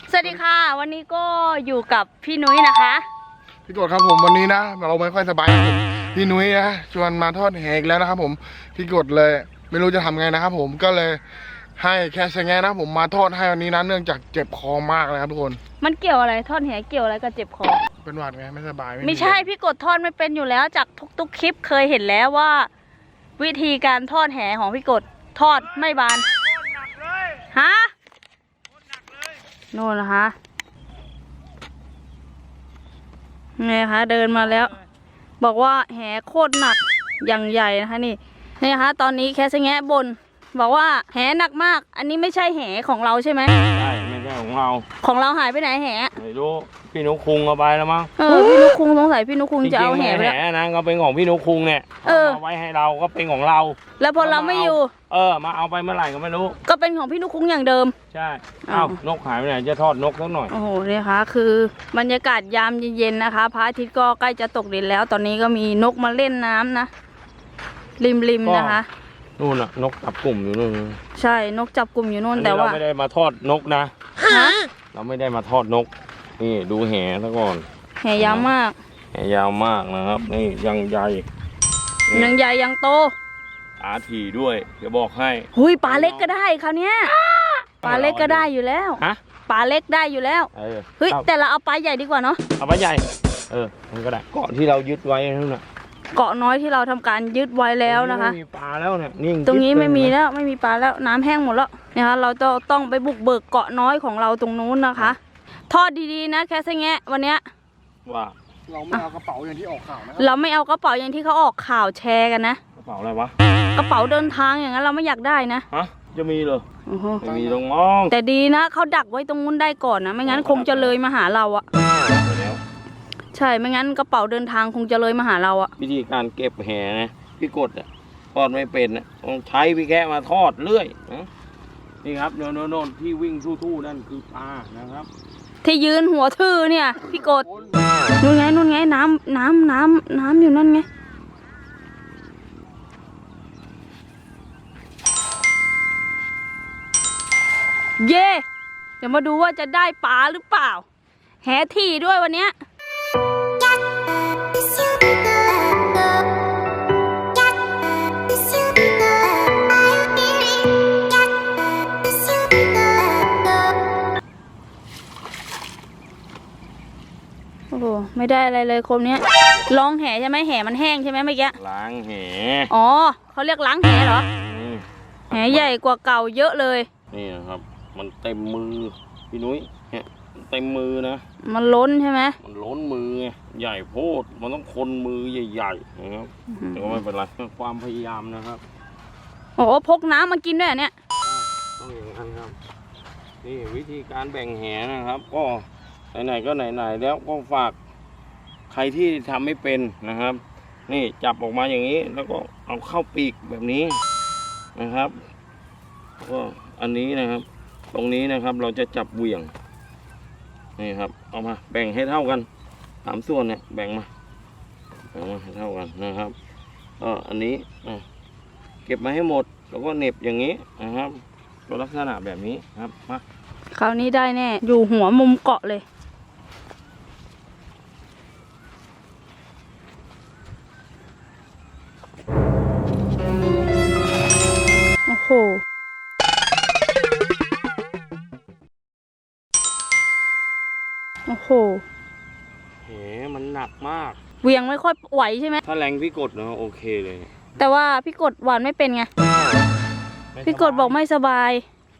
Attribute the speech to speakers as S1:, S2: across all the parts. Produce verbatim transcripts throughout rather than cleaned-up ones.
S1: สวัสดีค่ะวันนี้ก็อยู่กับพี่นุ้ยนะคะ
S2: พี่กดครับผมวันนี้นะเราไม่ค่อยสบายพี่นุ้ยนะชวนมาทอดแหกแล้วนะครับผมพี่กดเลยไม่รู้จะทำไงนะครับผมก็เลยให้แค่ชะแงนะผมมาทอดให้วันนี้นะเนื่องจากเจ็บคอมากเลยครับทุกคน
S1: มันเกี่ยวอะไรทอดแหเกี่ยวอะไรกับเจ็บคอ
S2: เป็นหวัดไงไม่สบาย
S1: ไม่ใช่พี่กดทอดไม่เป็นอยู่แล้วจากทุกๆคลิปเคยเห็นแล้วว่า วิธีการทอดแหของพี่กดทอดไม่บานฮะโน่นนะคะไงคะเดินมาแล้วบอกว่าแหโคตรหนักอย่างใหญ่นะคะนี่นี่นะคะตอนนี้แคสแงะบนบอกว่าแหหนักมากอันนี้ไม่ใช่แหของเราใช่ไหม
S3: ใช่ไม่ใช่ของเรา
S1: ของเราหายไปไหนแห
S3: ไม่รู้พี่นุคุงเอาไปแล้วมั้ง
S1: เออพี่นุคุงสงสัยพี่นุคุงจะเอาแหไปแล้ว
S3: แหนะก็เป็นของพี่นุคุงเนี่ยเอาไว้ให้เราก็เป็นของเรา
S1: แล้วพอเราไม่อยู่
S3: เออมาเอาไปเมื่อไหร่ก็ไม่รู้
S1: ก็เป็นของพี่นุคุงอย่างเดิม
S3: ใช่เอ้านกหายไปไหนจะทอดนกสักหน่อย
S1: โอ้โหเนี่ยค่ะคือบรรยากาศยามเย็นๆนะคะพระอาทิตย์ก็ใกล้จะตกดินแล้วตอนนี้ก็มีนกมาเล่นน้ำนะริมๆนะคะ
S3: นู่นน่ะนกจับกลุ่มอยู่นู่น
S1: ใช่นกจับกลุ่มอยู่นู่นแต่ว่า
S3: เราไม่ได้มาทอดนกนะเราไม่ได้มาทอดนกนี่ดูแหซะก่อน
S1: แหยาวมาก
S3: แหยาวมากนะครับนี่ยังใหญ่
S1: ยังใหญ่ยังโต
S3: ปลาถี่ด้วยจะบอกให้
S1: หุยปลาเล็กก็ได้คราวนี้ปลาเล็กก็ได้อยู่แล้ว
S3: ฮะ
S1: ปลาเล็กได้อยู่แล้วเฮ้ยแต่เราเอาปลาใหญ่ดีกว่าเนาะ
S3: เอาปลาใหญ่เออมันก็ได้เกาะที่เรายึดไว้นั่นแหละ
S1: เกาะน้อยที่เราทำการยึดไว้แล้วนะคะ
S3: ไม่มีปลาแล้วเนี่ยนิ่ง
S1: ตรงนี้ไม่มีแล้วไม่มีปลาแล้วน้ำแห้งหมดแล้วนะคะเราจะต้องไปบุกเบิกเกาะน้อยของเราตรงนู้นนะคะทอดดีๆนะแค่แงะวันเนี้ย
S3: ว่า
S2: เราไม่เอากระเป๋าอย่างที่ออกข่าวนะ
S1: เราไม่เอากระเป๋าอย่างที่เขาออกข่าวแชร์กันนะ
S3: กระเป๋าอะไรวะ
S1: กระเป๋าเดินทางอย่างนั้นเราไม่อยากได้นะ
S3: ฮะจะมีเหรอไม่มีตรงมอง
S1: แต่ดีนะเขาดักไว้ตรงนู้นได้ก่อนนะไม่งั้นคงจะเลยมาหาเราอะใช่ไม่งั้นกระเป๋าเดินทางคงจะเลยมาหาเราอะ
S3: วิธีการเก็บแหนะพี่กดอะทอดไม่เป็นอะต้องใช้พี่แกะมาทอดเรื่อยนะนี่ครับโน่นโน่นที่วิ่งทู่ๆนั่นคือปลานะครับ
S1: ที่ยืนหัวทื่อเนี่ยพี่กดนู่นไงนู่นไงน้ำน้ำน้ำน้ำอยู่นั่นไงเย่เดี๋ยวมาดูว่าจะได้ปลาหรือเปล่าแหถี่ด้วยวันเนี้ยโอ้โหไม่ได้อะไรเลยคมเนี้ยลองแหใช่ไหมแหมันแห้งใช่ไหมเมื่อกี้
S3: ล้างแห
S1: อ๋อเขาเรียกล้างแหเหรอแหใหญ่กว่าเก่าเยอะเลย
S3: นี่นะครับมันเต็มมือพี่นุ้ยเนี่ยเต็มมือนะ
S1: มันล้นใช่ไหม
S3: มันล้นมือไงใหญ่โพดมันต้องคนมือใหญ่ๆนะครับแต่ก็ไม่เป็นไรความพยายามนะครับ
S1: โอ้พกน้ำมากินด้วยเนี่ย
S3: ต้องอย่างนั้นครับนี่วิธีการแบ่งแหนะครับก็ไหนๆก็ไหนๆแล้วก็ฝากใครที่ทำไม่เป็นนะครับนี่จับออกมาอย่างนี้แล้วก็เอาเข้าปีกแบบนี้นะครับก็อันนี้นะครับตรงนี้นะครับเราจะจับเหวี่ยงนี่ครับเอามาแบ่งให้เท่ากันสามส่วนเนี่ยแบ่งมาแบ่งมาให้เท่ากันนะครับก็อันนี้เก็บมาให้หมดแล้วก็เหน็บอย่างนี้นะครับก็ลักษณะแบบนี้ครับมา
S1: คราวนี้ได้แน่อยู่หัวมุมเกาะเลยโอ้โหโอ้โห
S3: แหมันหนักมาก
S1: เวียงไม่ค่อยไหวใช่ไหม
S3: ถ้าแรงพี่กดเนาะโอเคเลย
S1: แต่ว่าพี่กดหวานไม่เป็นไงพี่กดบอกไม่สบาย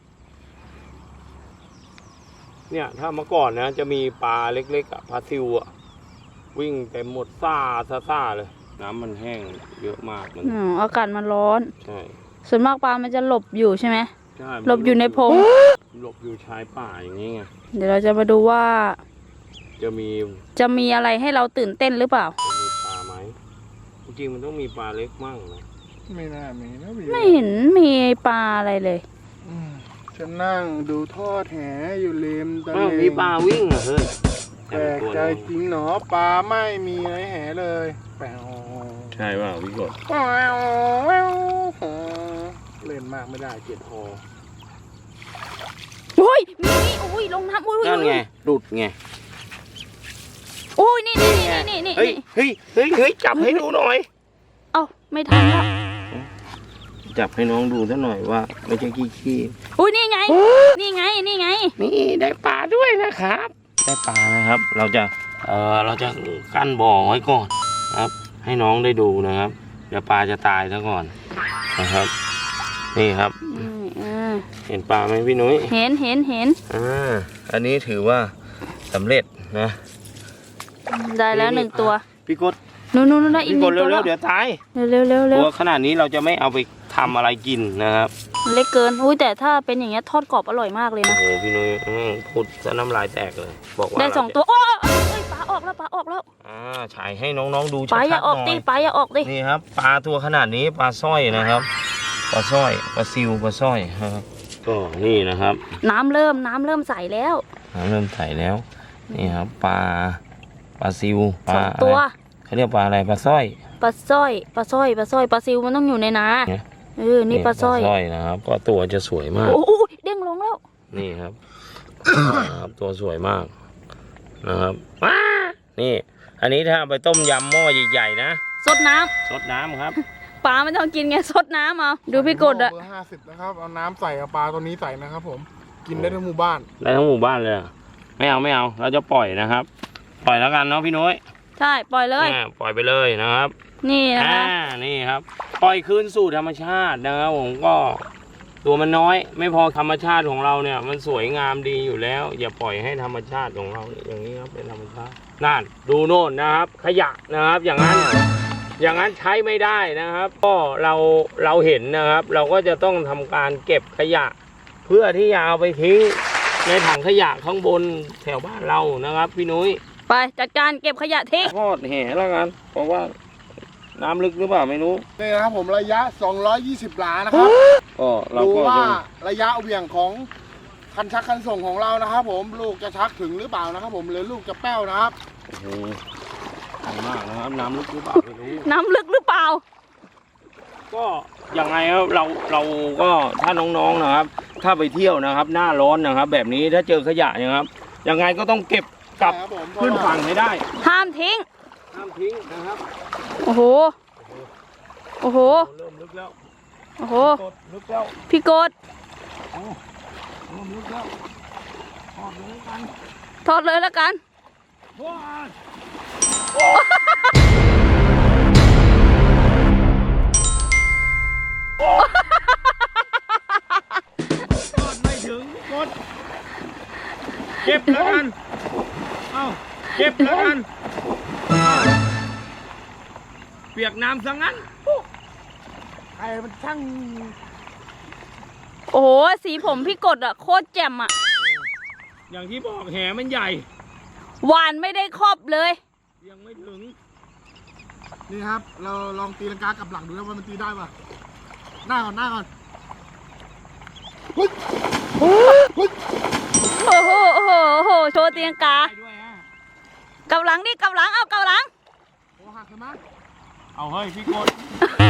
S3: เนี่ยถ้าเมื่อก่อนนะจะมีปลาเล็กๆอ่ะปลาซิวอ่ะวิ่งเต็มหมดซ่าซ่าเลยน้ำมันแห้งเยอะมากมัน
S1: อ๋ออากาศมันร้อน
S3: ใช่
S1: ส่วนมากปลามันจะหลบอยู่ใช่ไหม
S3: ใช่
S1: หลบอยู่ในพง
S3: หลบอยู่ชายป่าอย่างนี้ไง
S1: เดี๋ยวเราจะมาดูว่า
S3: จะมี
S1: จะมีอะไรให้เราตื่นเต้นหรือเปล่า
S3: จะมีปลาไหมจริงๆมันต้องมีปลาเล็กมั่งนะ
S2: ไม่น่ามีนะ
S1: ไม่เห็นมีปลาอะไรเลย
S2: ฉันนั่งดูทอดแหอยู่ริมตลิ่ง
S3: มีปลาวิ่งเหรอเฮ้ย
S2: แปลกใจจริงเนาะปลาไม่มีในแหเลยแปลก
S3: ใช่ว่าพี่กด
S2: เล่นมากไม่ได้เจ็บคอ
S1: โอ้ยมีนี่โอ้ยลงน้ำโอ้ย
S3: นั่นไงหลุดไง
S1: โอ้ยนี่นี่นี่นี่นี่
S3: เฮ้ยเฮ้ยเฮ้ยเฮ้ยจับให้ดูหน่อย
S1: เอ้าไม่ทันแล้ว
S3: จับให้น้องดูซะหน่อยว่าไม่ใช่ขี้ขี้
S1: อุ้ยนี่ไง นี่ไงนี่ไง
S3: นี่ได้ปลาด้วยนะครับ ได้ปลานะครับ เราจะเออเราจะกั้นบ่อไว้ก่อนนะครับ ให้น้องได้ดูนะครับ เดี๋ยวปลาจะตายซะก่อนนะครับ นี่ครับ
S1: อืมอืม
S3: เห็นปลาไหมพี่นุ้ย
S1: เห็นเห็นเห็น
S3: อ่าอันนี้ถือว่าสำเร็จนะ
S1: ได้แล้วหนึ่งตัว
S3: พี่กด
S1: นู่นนู่นได้อีก
S3: พี่
S1: ห
S3: ก
S1: นึ่
S3: ด
S1: งตัว
S3: เร็
S1: แล้ว ว
S3: ๆเดี๋ยวตาย
S1: เร็วเร็วเร็ว
S3: ตัวขนาดนี้เราจะไม่เอาไปทำอะไรกินนะครับ
S1: เล็กเกินอุ้ยแต่ถ้าเป็นอย่างเงี้ยทอดกรอบอร่อยมากเลย
S3: โอ้
S1: นะ
S3: โหพี่นุ้ยอืมพูดซะน้ำลายแตกเลย บอกว่า
S1: ได้สอง
S3: เราจะ
S1: ตัวโอ้ยเอ้ยปลาออกแล้วปลาออกแล้ว
S3: อ่าฉายให้น้องๆดู
S1: ป
S3: ชั
S1: ลาอย่า
S3: ด
S1: อ
S3: ๆ
S1: อก
S3: หน่
S1: ดิ
S3: อย
S1: ปลาอย่าออกดิ
S3: นี่ครับปลาตัวขนาดนี้ปลาสร้อยนะครับปลาสร้อยปลาซิวปลาสร้อยนะครับก็นี่นะครับ
S1: น้ำเริ่มน้ำเริ่มใสแล้ว
S3: น้ำเริ่มใสแล้วนี่ครับปลาปลาซิวป
S1: ส
S3: ลา
S1: องตัว
S3: อะไรเขาเรียกปลาอะไรปลาสร้อย
S1: ปลาสร้อยปลาสร้อยปลาสร้อยปลาซิวมันต้องอยู่ในนา
S3: เนี่ย
S1: เออนี่ปลาสร้อย
S3: สร้อยนะครับ ก็ตัวจะสวยมาก
S1: โอ้โหเด้งลงแล้ว
S3: นี่ครับ ครับตัวสวยมากนะครับว้านี่ อันนี้ถ้าเอาไปต้มยำหม้อใหญ่ๆนะ
S1: สดน้ำ
S3: ซดน้ำครับ
S1: ปลาไม่ต้องกินไงสดน้ำเอาดูพี่กดอะ
S2: เบอร์ห้าสิบนะครับเอาน้ำใส่เอาปลาตัวนี้ใส่นะครับ ผมกินได้ทั้งหมู่บ้าน
S3: ได้ทั้งหมู่บ้านเลยเหรอไม่เอาไม่เอาเราจะปล่อยนะครับ ปล่อยแล้วกันเนาะพี่นุ้ย
S1: ใช่ปล่อยเลย
S3: อ่าปล่อยไปเลยนะครับ
S1: นี่นะ
S3: อ่า
S1: คะ
S3: นี่ครับ ปล่อยคืนสู่ธรรมชาตินะครับผมก็ตัวมันน้อย ไม่พอธรรมชาติของเราเนี่ย มันสวยงามดีอยู่แล้ว อย่าปล่อยให้ธรรมชาติของเราอย่างนี้ครับเป็นธรรมชาตินั่นดูโน่นนะครับ ขยะนะครับ อย่างนั้น อย่างนั้นใช้ไม่ได้นะครับ ก็เราเราเห็นนะครับ เราก็จะต้องทำการเก็บขยะ เพื่อที่จะเอาไปทิ้งในถังขยะข้างบนแถวบ้านเรานะครับ พี่นุ้ย
S1: ไปจัดการเก็บขยะทิ้ง
S3: ทอดแห่แล้วกัน เพราะว่าน้ำลึกหรือเปล่าไม่รู้
S2: นี่นะครับผมระยะสองร้อยยี่สิบหลานะครับ
S3: ก็เรา
S2: ดู
S3: ก็
S2: ว่า
S3: จะ
S2: ระยะเหวี่ยงของคันชักคันส่งของเรานะครับ ผมลูกจะชักถึงหรือเปล่านะครับ ผมหรือลูกจะแป้วนะครับ
S3: โอ้โหใหญ่มากนะครับ น้ำลึกหรือเปล่าไม่รู้
S1: น้ำลึกหรือเปล่า
S3: ก็ยังไงครับเราเราก็ถ้าน้องๆนะครับ ถ้าไปเที่ยวนะครับ หน้าร้อนนะครับ แบบนี้ถ้าเจอขยะนะครับยังไงก็ต้องเก็บกลับ
S2: ใช่ครับผม
S3: ขึ้นฝั่งให้ได้
S1: ห้ามทิ้ง
S3: ห้ามทิ้งนะครับ
S1: โอ้โหโอ้โห
S3: เริ่มลึกแล้ว
S1: โอ้โห
S3: กดลึกแล้ว
S1: พี่กด
S3: โอ้เริ่มลึกแล้วทอดเลยกัน
S1: ทอดเลยแล้วกัน
S3: ว้าทอดไม่ถึงกดเก็บแล้วกันเอ้าเก็บแล้วกันเปียกน้ำซะงั้น
S2: ไอ้มันช่าง
S1: โอ้โหสีผมพี่กดอะโคตรแจ่มอะ
S3: อย่างที่บอกแหมันใหญ่
S1: หวานไม่ได้ครอบเลย
S3: ยังไม่ถึง
S2: นี่ครับ เราลองตีลังกากลับหลังดูนะว่ามันตีได้ป่ะหน้าก่อนหน้าก่อนเฮ้ยเฮ้ย
S1: โอ้โหโอ้โหโอ้โหโชว์เตียงกา
S3: ได้ด้วยฮะ
S1: กลับหลังดิกลับหลังเอากลับหลัง
S2: โอ้หักใช่ไหม
S3: เอาเฮ้ยพี่กด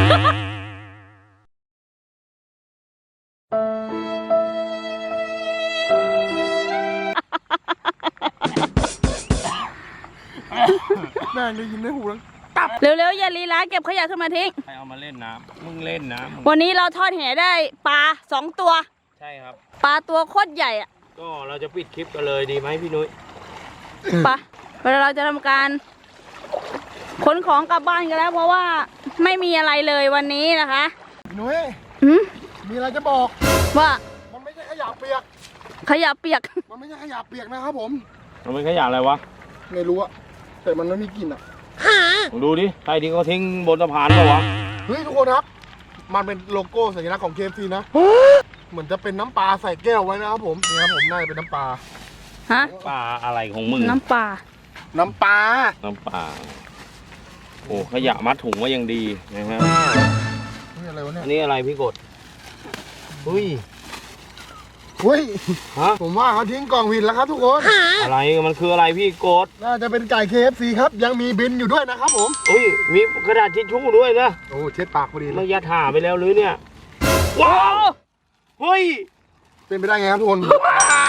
S2: แม่งได้ยินได้หูแล้ว
S1: เร็วๆอย่าลีลาเก็บขยะขึ้นมาทิ้ง
S3: ใครเอามาเล่นน้ำมึงเล่นน้ำมึง
S1: วันนี้เราทอดแหได้ปลาสองตัว
S3: ใช่ครับ
S1: ปลาตัวโคตรใหญ่อะ
S3: ก็เราจะปิดคลิปกันเลยดีไหมพี่นุ้ย
S1: ไปเวลาเราจะทำการขนของกลับบ้านกันแล้ว เพราะว่าไม่มีอะไรเลยวันนี้นะคะ
S2: หนุ่ย
S1: อืม
S2: มีอะไรจะบอก
S1: ว่า
S2: มันไม่ใช่ขยะเปียก
S1: ขยะเปียก
S2: มันไม่ใช่ขยะเปียกนะครับผม
S3: มันเป็นขยะอะไรวะ
S2: ไม่รู้อะแต่มันไม่มีกลิ่นอะ
S3: มึงดูดิใครที่เขาทิ้งบนสะพานเปล่าวะ
S2: เฮ้ยทุกคนครับ มันเป็นโลโก้สัญลักษณ์ของ เค เอฟ ซี นะ เหมือนจะเป็นน้ำปลาใส่แก้วไว้นะครับผมนี่ครับผมน่าจะเป็นน้ำปลา
S1: ฮะ
S3: ปลาอะไรของมึง
S1: น้ำปลา
S2: น้ำปลา
S3: น้ำปลาโอ้ขยะมัดถุงไว้ยังดีนะฮะ
S2: นี่อะไรวะเนี่ย
S3: อันนี้อะไรพี่กดเฮ้ย
S2: เฮ้ย
S3: ฮะ
S2: ผมว่าเขาทิ้งกล่องผิดแล้วครับทุกคน
S3: อะไรมันคืออะไรพี่กด
S2: น่าจะเป็นไก่ เค เอฟ ซี ครับ ยังมีบินอยู่ด้วยนะครับผม
S3: เฮ้ยมีกระดาษทิชชู่ด้วยนะ
S2: โอ้เช็ดปากพอดีเล
S3: มัน
S2: ย
S3: ยัดถ่าไปแล้วหรือเนี่ยว้าวเฮ้ย
S2: เป็นไปได้ไงครับทุกคน
S3: ว้า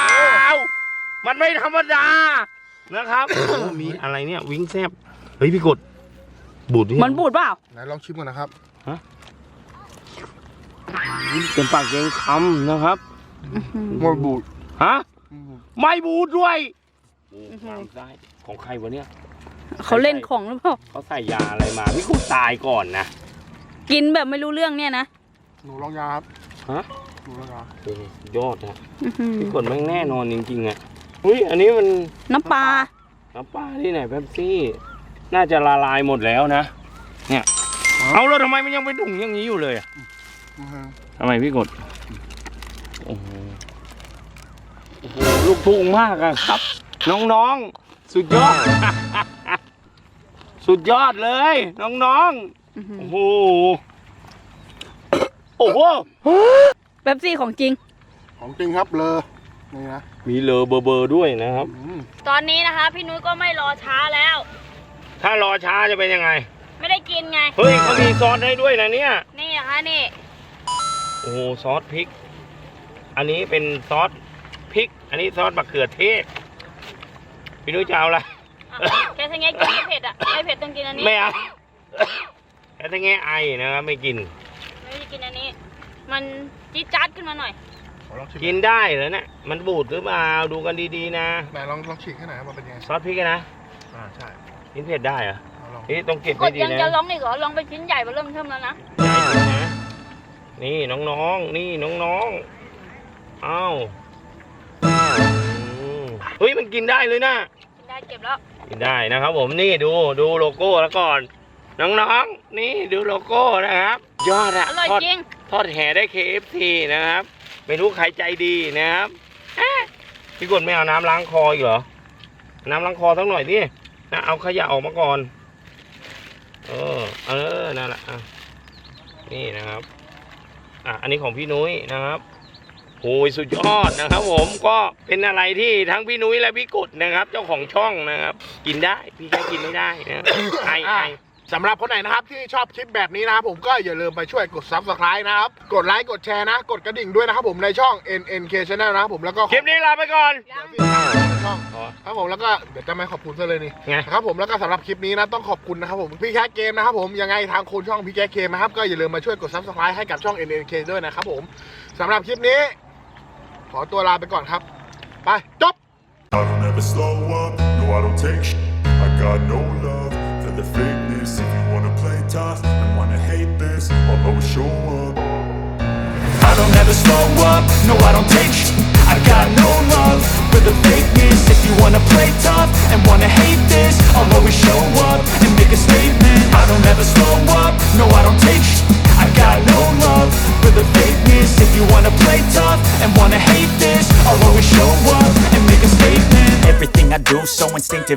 S3: มันไม่ธรรมดานะครับ โอ้มีอะไรเนี่ยวิ้งแซบเฮ้ยพี่กดบูดดิ
S1: มันบูดเปล่า
S2: ไหนลองชิมก่อนนะครับ
S3: เป็นปากเกงคำนะครับ
S2: หมดบูด
S3: ฮะไม่บูดด้วยโอ้ฟางซ้ายของใครวะเนี่ย
S1: เขาเล่นของหรือเปล่า
S3: เขาใส่ยาอะไรมาพี่กดตายก่อนนะ
S1: กินแบบไม่รู้เรื่องเนี่ยนะ
S2: หนูลองยาครับ
S3: ฮะ
S2: หนูลองยา
S3: โอ้ยอดนะ
S1: อื้อหือ
S3: พี่กดแม่งแน่นอนจริงๆอ่ะอุ้ยอันนี้มัน
S1: น้ำปลา
S3: น้ำปลาที่ไหนเป๊ปซี่ น่าจะละลายหมดแล้วนะ เนี่ย เอาแล้วทำไมมันยังเป็นถุงอย่างนี้อยู่เลยอะ
S2: อือฮึ
S3: ทำไมพี่กด โอ้โหโอ้โหลูกทุ่งมากอะครับ น้องๆ สุดยอด สุดยอดเลย น้อง
S1: อื้อหื
S3: ๆ
S1: อ
S3: โอ้โห โอ้โห
S1: เป๊ปซี่ของจริง
S2: ของจริงครับเลอนี่นะ
S3: มีเลอเบอร์เบอร์ด้วยนะครับ
S2: อืม
S1: ตอนนี้นะคะ พี่นุ้ยก็ไม่รอช้าแล้ว
S3: ถ้ารอช้าจะเป็นยังไง
S1: ไม่ได้กินไง
S3: เฮ้ยเขามีซอสให้ด้วยนะเนี่ย
S1: นี่นะคะนี่
S3: โอ้โหซอสพริก อันนี้เป็นซอสพริก อันนี้ซอสมะเขือเทศ พี่นุ้ยจะเอาอะไร
S1: อ่ะแกทงไงกินไม่เผ็ดอ่ะไม่เผ็ดต้องกินอันนี้
S3: ไม่เอาแต่ถ้าแง่ไอนะครับไม่กิน
S1: ไม่ได้กินอันนี้ มันจี๊ดจ๊าดขึ้นมาหน่อย
S2: ขอลองชิม
S3: กินได้เหรอเนี่ย มันบูดหรือเปล่า ดูกันดีๆนะ
S2: ไหนลองลองฉีกให้หน่อยว่าเป็นยังไง
S3: ซอสพริกอะนะ
S2: อ่าใช่
S3: กินเผ็ดได้เหรอ
S2: เอาลอง
S3: นี่ต้องเก็บ
S1: ก
S3: ให้
S1: ด
S3: ดี
S1: ยัง
S3: นะ
S1: จะลองอีกเหรอลองไปชิ้นใหญ่ไปเริ่มเทิมแล้วนะ
S3: ใหญ่จริงนะ นี่น้องๆ นี่น้องๆ เอ้าอืมเฮ้ยมันกินได้เลยนะ
S1: กินได้เก็บแล้ว
S3: กินได้นะครับผมนี่ดูดูโลโก้แล้วก่อน น้องๆ นี่ดูโลโก้นะครับ ยอดอะ
S1: อร่อย
S3: ทอด
S1: จริง
S3: ทอดแห่ได้ เค เอฟ ซี นะครับไม่รู้ใครใจดีนะครับเอ๊ะพี่กดไม่เอาน้ำล้างคออีกเหรอ น้ำล้างคอสักหน่อยดินะเอาขยะออกมาก่อน เออเออนั่นแหละอ่ะนี่นะครับอ่ะอันนี้ของพี่นุ้ยนะครับโอ้ยสุดยอดนะครับ ผมก็เป็นอะไรที่ทั้งพี่นุ้ยและพี่กดนะครับ เจ้าของช่องนะครับ กินได้พี่แค่กินไม่ได้นะไอไอ
S2: สำหรับคนไหนนะครับที่ชอบคลิปแบบนี้นะครับผมก็อย่าลืมไปช่วยกด ซับสไครบ์ นะครับกดไลค์กดแชร์นะ กดกระดิ่งด้วยนะครับผมในช่อง เอ็น เอ็น เค Channel นะครับผมแล้วก็
S3: คลิปนี้ลาไปก่อน
S2: เดี๋ยวพี่ตามในช่องครับผมแล้วก็เดี๋ยวจะไม่ขอบคุณซะเลยนี่
S3: ไง
S2: ครับผมแล้วก็สำหรับคลิปนี้นะต้องขอบคุณนะครับผมพี่แคทเกมนะครับผมยังไงทางคนช่องพี่แคทเกมนะครับก็อย่าลืมมาช่วยกด ซับสไครบ์ ให้กับช่อง เอ็น เอ็น เค ด้วยนะครับผมสำหรับคลิปนี้ ขอตัวลาไปก่อนครับไปจบ
S4: I don't ever slow up, no I don't take sh- I got no love for the fakeness. If you wanna play tough and wanna hate this, I'll always show up. I don't ever slow up, no I don't take sh- I got no love for the fakeness. If you wanna play tough and wanna hate this, I'll always show up and make a statement. I don't ever slow up, no I don't take sh- I got no love for the fakeness. If you wanna play tough and wanna hate this, I'll always show up and make a statement. Everything I do so instinctive,